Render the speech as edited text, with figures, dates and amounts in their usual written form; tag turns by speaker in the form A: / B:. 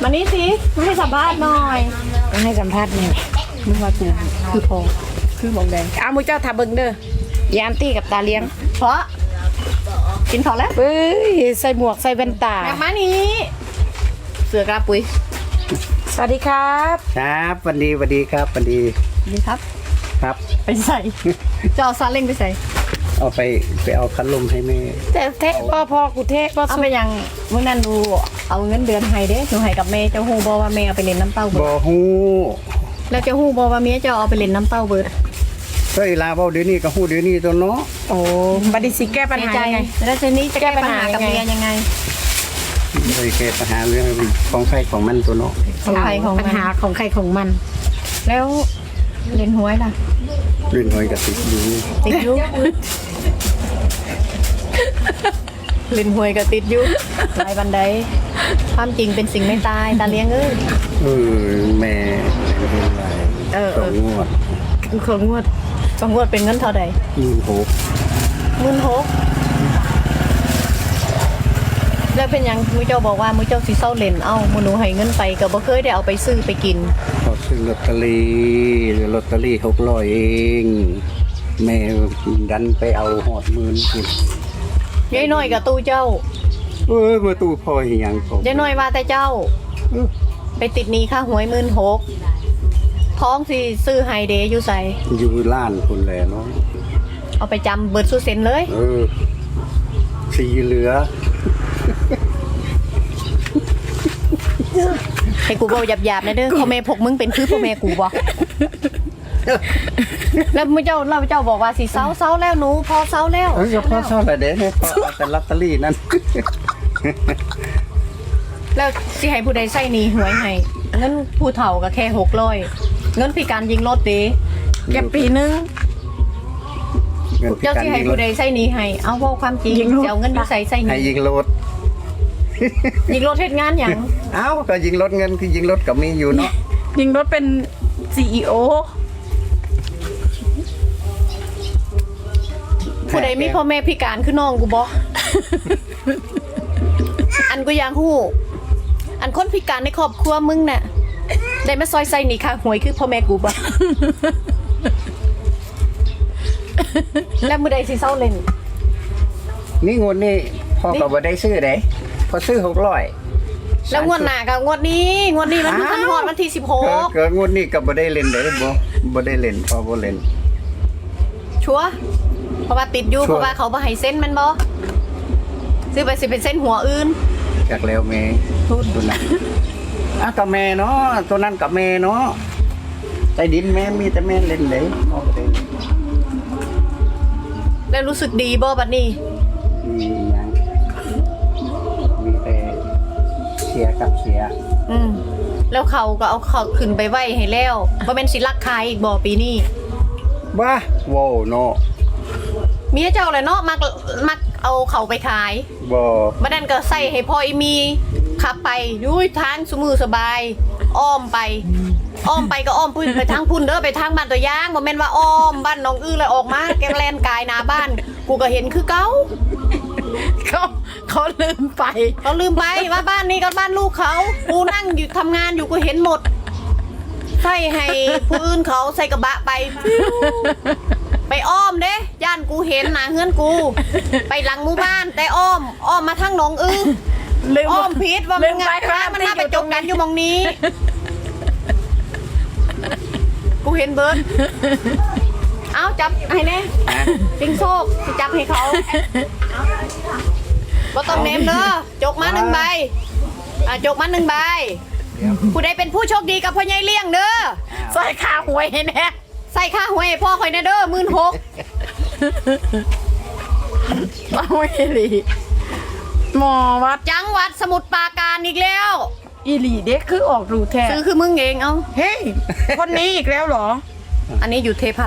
A: มานี่สิมาให้สัมภาษณ์หน่อยมาให้สัมภาษณ์หน่อยมึงว่ากูคือพอคือมองแดงอ้าวมึงเจ้าทาเบิงเด้อยามตี้กับตาเลี้ยงเพราะกินเขาแล้วเฮ้ยใส่หมวกใส่แว่นตาแบบมานี้เสือกระปุยสวัสดีครับ
B: ครับวันดีครับวันดี
A: ดีครับ
B: ครับ
A: ไปใส่จะเอาซาเล้งไปใส่
B: เอาไปเอาคันลมให้แม่
A: แต่เทะพ่อกูเทะเอาไปยังเมื่อนั้นดูเอาเงินเดือนให้เด้หนูให้กับแม่เจ้าฮู้บ่ว่าแม่เอาไปเล่นน้ำเต้าเบิด
B: บ่ฮู้
A: แล้วเจ้าฮู้บ่ว่าเมียเจ้าเอาไปเล่นน้ำเต้าเบิด
B: เฮ้ยลาเว้าเดี๋ยวนี้ก็ฮู้เดี๋ยวนี้ตัวเนาะ
A: โอ้บัดนี้สิแก้ปัญหายังไงแล้วทีนี้จะแก้ปัญหากับเมียยังไง
B: เลยแก้ปัญหาเรื่องของใครของมันตัวเนาะ
A: ของใครของปัญหาของใครของมันแล้วเล่นหวยล่ะ
B: เล่นหวยกับติดอยู่
A: เล่นหวยกับติดอยู่ลายบันไดความจริงเป็นสิ่งไม่ตายตาเลี้ยงเอ้ย
B: แม่เป็นไร
A: ของงวดเป็นเงินเท่าใด16,000แล้วเป็นยังมื้อเจ้าบอกว่ามื้อเจ้าสิเซาเล่นมื้อหนูให้เงินไปก็บ่เคยได้เอาไปซื้อไปกิน
B: เขาซื้อลอตเตอรี่600เองแม่ดันไปเอาหอด10,000กิน
A: ยายน้อยกับตู้เจ้า
B: มาตู้พ่ออีหยังผม
A: ยายน้อยว่าแต่เจ้าไปติดหนี้ค่าหวย16,000ท้องสิซื้อไฮเดย์อยู่ใส่
B: อยู่ล้านคนแหละเนาะ
A: เอาไปจำเบิดสุเซนเลย
B: สีเหลือ
A: ให้กูบอกหยาบๆนะเด้อพ่อแม่พกมึงเป็นคือพ่อแม่กูบ่แล้วเจ้าบอกว่าสิเซาแล้วหนูพอเซาแล้ว
B: พอเซาแล้วเด้พอแต่ลอตเตอรี่นั่น
A: แล้วสิให้ผู้ใดใส่หนี้หวยให้เงินผู้เฒ่าก็แค่600เงินพิการยิงรถเด้แกปีนึงเจ้าสิให้ผู้ใดใส่หนี้ให้เอาเว้าความจริงจะเอาเงินอยู่ใส่หนี้
B: ให้ยิงรถ
A: เฮ็ดงานหยัง
B: ก็ยิงรถเงินคือยิงรถก็มีอยู่เนาะ
A: ยิงรถเป็น CEO ผู้ใดมีพ่อแม่พิการคือน้องกูบ่อันกูอยากฮู้อันคนพิการในครอบครัวมึงน่ะได้มาซอยใส่หนี้ค่าหวยคือพ่อแม่กูบ่แล้วมื้อใดสิเซาเล่น
B: นี่งวดนี้พ่อก็บ่ได้ซื้อได้พอซื้อ600
A: แล้วงวดหน้าก็งวดนี้มันเพิ่งฮอดวันที่16
B: เกิดงวดนี้ก็บ่ได้เล่นได้บ่ได้เล่นพอบ่เล่น
A: ชัวร์เพราะว่าติดอยู่เพราะว่าเขาบ่ให้เซ็นมันบ่ซื้อไปสิเป็นเส้นหัวอื่น
B: จากแล้วแม่ตัวนั้นก็แม่เนาะตัวนั้นกับแม่เนาะใต้ดินแม่มีแต่แม่เล่นได้พอบ่ได้
A: แล้วรู้สึกดีบ่บัดนี้
B: มียังมีแต่เสียกับเสีย
A: แล้วเขาก็เอาเขาขึ้นไปไว้ให้แล้วบ่แม่นสิลักขายอีกบ่ปีนี้
B: บ้าโว้เนาะ
A: เมียเจ้าเลยเนาะมักเอาเขาไปขาย
B: บ่
A: บัดนั้นก็ใส่ให้พ่ออีมีขับไปยุ้ยทางสมือสบายอ้อมไปก็อ้อมพุ่นไปทางพุ่นเด้อไปทางบ้านตัวย่างบ่แม่นว่าอ้อมบ้านน้องอื้อเลยออกมาแกแลนกายหน้าบ้านกูก็เห็นคือเก่าเขาลืมไปว่าบ้านนี้ก็บ้านลูกเขากูนั่งอยู่ทำงานอยู่กูเห็นหมดใส่ให้ผู้อื่นเขาใส่กระบะไปอ้อมเด้ย่านกูเห็นหน้าเฮือนกูไปหลังหมู่บ้านแต่อ้อมมาทางน้องอื้ออ้อมผิดว่ามันงานมันมาไปจบกันอยู่มองนี้กูเห็นเบิร์ดเอาจับให้แน่ปิงโชคจับให้เขาบ่ต้องเนมเด้อจกมา1 ใบจกมา1 ใบผู้ใดเป็นผู้โชคดีกับพ่อใหญ่เลี้ยงเด้อใส่ค่าหวยให้แน่ใส่ค่าหวยให้พ่อคอยแน่เด้อ16,000เอาอีหลีหมอวัดจังหวัดสมุทรปราการอีกแล้วอีหลีเด็กคือออกรูแท้ซื้อคือมึงเองเอาเฮ้ยคนนี้อีกแล้วเหรออันนี้อยู่เทพ